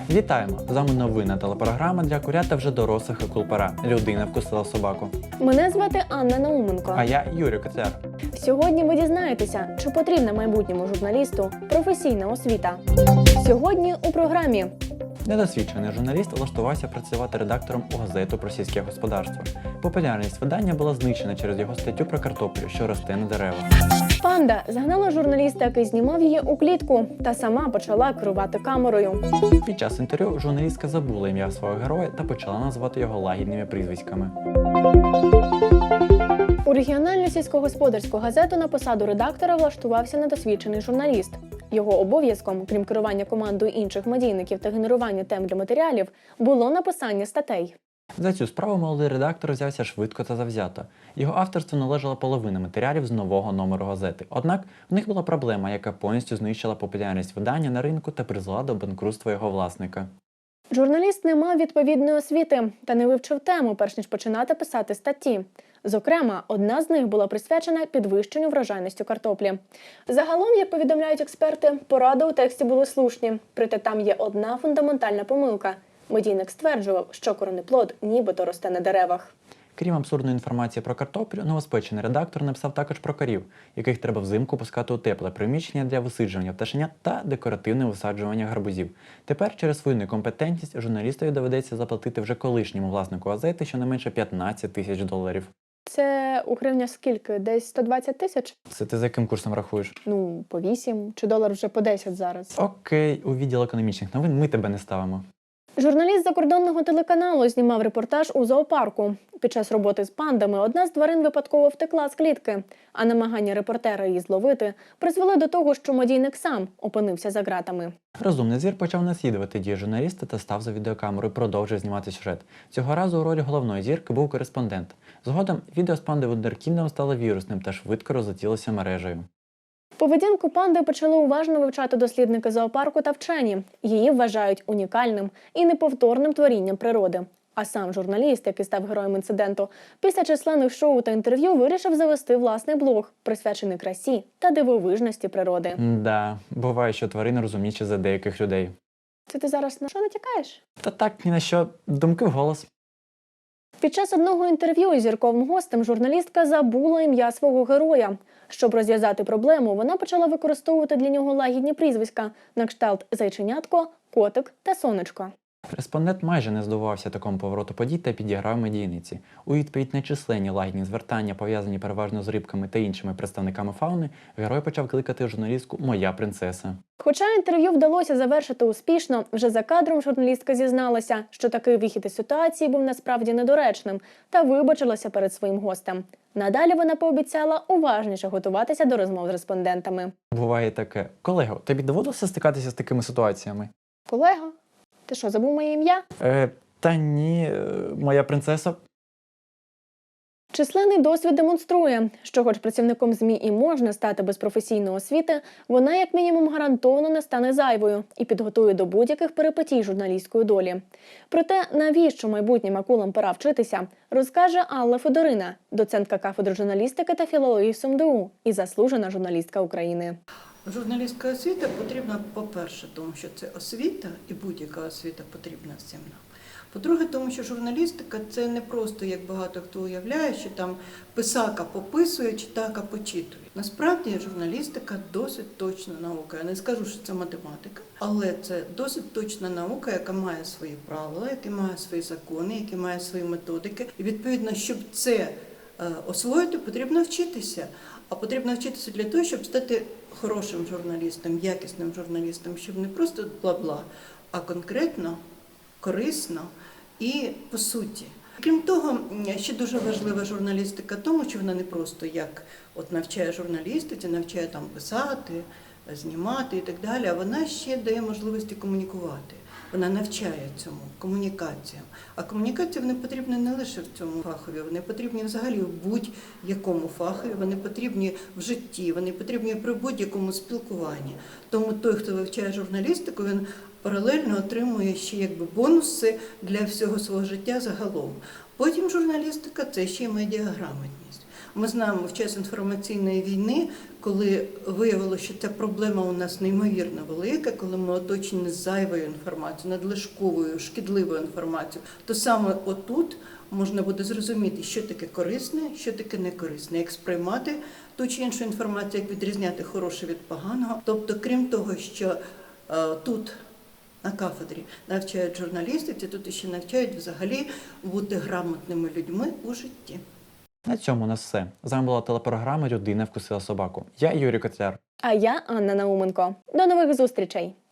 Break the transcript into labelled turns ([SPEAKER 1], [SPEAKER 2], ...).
[SPEAKER 1] Вітаємо! З вами новинна телепрограма для курят та вже дорослих акул-пера. Людина вкусила собаку.
[SPEAKER 2] Мене звати Анна Науменко.
[SPEAKER 1] А я Юрій Коцяр.
[SPEAKER 2] Сьогодні ви дізнаєтеся, чи потрібна майбутньому журналісту професійна освіта. Сьогодні у програмі.
[SPEAKER 1] Недосвідчений журналіст влаштувався працювати редактором у газету про сільське господарство. Популярність видання була знищена через його статтю про картоплю, що росте на деревах.
[SPEAKER 2] Панда загнала журналіста, який знімав її у клітку, та сама почала керувати камерою.
[SPEAKER 1] Під час інтерв'ю журналістка забула ім'я свого героя та почала називати його лагідними прізвиськами.
[SPEAKER 2] У регіональну сільськогосподарську газету на посаду редактора влаштувався недосвідчений журналіст. Його обов'язком, крім керування командою інших медійників та генерування тем для матеріалів, було написання статей.
[SPEAKER 1] За цю справу молодий редактор взявся швидко та завзято. Його авторству належала половина матеріалів з нового номеру газети. Однак в них була проблема, яка повністю знищила популярність видання на ринку та призвела до банкрутства його власника.
[SPEAKER 2] Журналіст не мав відповідної освіти та не вивчив тему, перш ніж починати писати статті. Зокрема, одна з них була присвячена підвищенню врожайності картоплі. Загалом, як повідомляють експерти, поради у тексті були слушні. Проте там є одна фундаментальна помилка. Медійник стверджував, що коренеплод нібито росте на деревах.
[SPEAKER 1] Крім абсурдної інформації про картоплю, новоспечений редактор написав також про корів, яких треба взимку пускати у тепле приміщення для висиджування пташенят та декоративне висаджування гарбузів. Тепер через свою некомпетентність журналістові доведеться заплатити вже колишньому власнику газети щонайменше $15 000.
[SPEAKER 2] Це у гривнях скільки? Десь 120 тисяч?
[SPEAKER 1] Це ти за яким курсом рахуєш?
[SPEAKER 2] Ну, по 8, чи долар вже по 10 зараз.
[SPEAKER 1] Окей, у відділ економічних новин ми тебе не ставимо.
[SPEAKER 2] Журналіст закордонного телеканалу знімав репортаж у зоопарку. Під час роботи з пандами одна з тварин випадково втекла з клітки, а намагання репортера її зловити призвели до того, що медійник сам опинився за ґратами.
[SPEAKER 1] Розумний звір почав наслідувати дії журналіста та став за відеокамерою і продовжив знімати сюжет. Цього разу у ролі головної зірки був кореспондент. Згодом відео з панди вундеркіндом стало вірусним та швидко розлетілося мережею.
[SPEAKER 2] Поведінку панди почали уважно вивчати дослідники зоопарку та вчені. Її вважають унікальним і неповторним творінням природи. А сам журналіст, який став героєм інциденту, після численних шоу та інтерв'ю вирішив завести власний блог, присвячений красі та дивовижності природи.
[SPEAKER 1] Да, буває, що тварини розумніші за деяких людей.
[SPEAKER 2] Це ти зараз на що натякаєш?
[SPEAKER 1] Та так, ні на що, думки вголос.
[SPEAKER 2] Під час одного інтерв'ю із зірковим гостем журналістка забула ім'я свого героя. Щоб розв'язати проблему, вона почала використовувати для нього лагідні прізвиська на кшталт «Зайченятко», «Котик» та «Сонечко».
[SPEAKER 1] Респондент майже не здивувався такому повороту подій та підіграв медійниці. У відповідь на численні лагідні звертання, пов'язані переважно з рибками та іншими представниками фауни, герой почав кликати журналістку «Моя принцеса».
[SPEAKER 2] Хоча інтерв'ю вдалося завершити успішно, вже за кадром журналістка зізналася, що такий вихід із ситуації був насправді недоречним та вибачилася перед своїм гостем. Надалі вона пообіцяла уважніше готуватися до розмов з респондентами.
[SPEAKER 1] Буває таке. Колего, тобі доводилося стикатися з такими ситуаціями?
[SPEAKER 2] Колего, ти що, забув моє ім'я?
[SPEAKER 1] Та ні, моя принцеса.
[SPEAKER 2] Численний досвід демонструє, що хоч працівником ЗМІ і можна стати без професійної освіти, вона як мінімум гарантовано не стане зайвою і підготує до будь-яких перипетій журналістської долі. Проте, навіщо майбутнім акулам пора вчитися, розкаже Алла Федорина, доцентка кафедри журналістики та філології СумДУ і заслужена журналістка України.
[SPEAKER 3] Журналістська освіта потрібна, по-перше, тому що це освіта, і будь-яка освіта потрібна всім нам. По-друге, тому що журналістика – це не просто, як багато хто уявляє, що там писака пописує, читака почитує. Насправді журналістика досить точна наука. Я не скажу, що це математика, але це досить точна наука, яка має свої правила, яка має свої закони, яка має свої методики. І відповідно, щоб це освоїти, потрібно вчитися. А потрібно вчитися для того, щоб стати хорошим журналістом, якісним журналістом, щоб не просто бла-бла, а конкретно, корисно і по суті. Крім того, ще дуже важлива журналістика тому, що вона не просто як навчає журналістиці, навчає там писати, знімати і так далі, а вона ще дає можливості комунікувати. Вона навчає цьому, комунікаціям. А комунікації вони потрібні не лише в цьому фахові, вони потрібні взагалі в будь-якому фахові, вони потрібні в житті, вони потрібні при будь-якому спілкуванні. Тому той, хто вивчає журналістику, він паралельно отримує ще бонуси для всього свого життя загалом. Потім журналістика – це ще й медіаграмотність. Ми знаємо в час інформаційної війни, коли виявилося, що ця проблема у нас неймовірно велика, коли ми оточені зайвою інформацією, надлишковою, шкідливою інформацією, то саме отут можна буде зрозуміти, що таке корисне, що таке некорисне, як сприймати ту чи іншу інформацію, як відрізняти хороше від поганого. Тобто, крім того, що тут на кафедрі навчають журналістиці, тут ще навчають взагалі бути грамотними людьми у житті.
[SPEAKER 1] На цьому у нас все. З вами була телепрограма «Людина вкусила собаку». Я Юрій Котляр.
[SPEAKER 2] А я Анна Науменко. До нових зустрічей!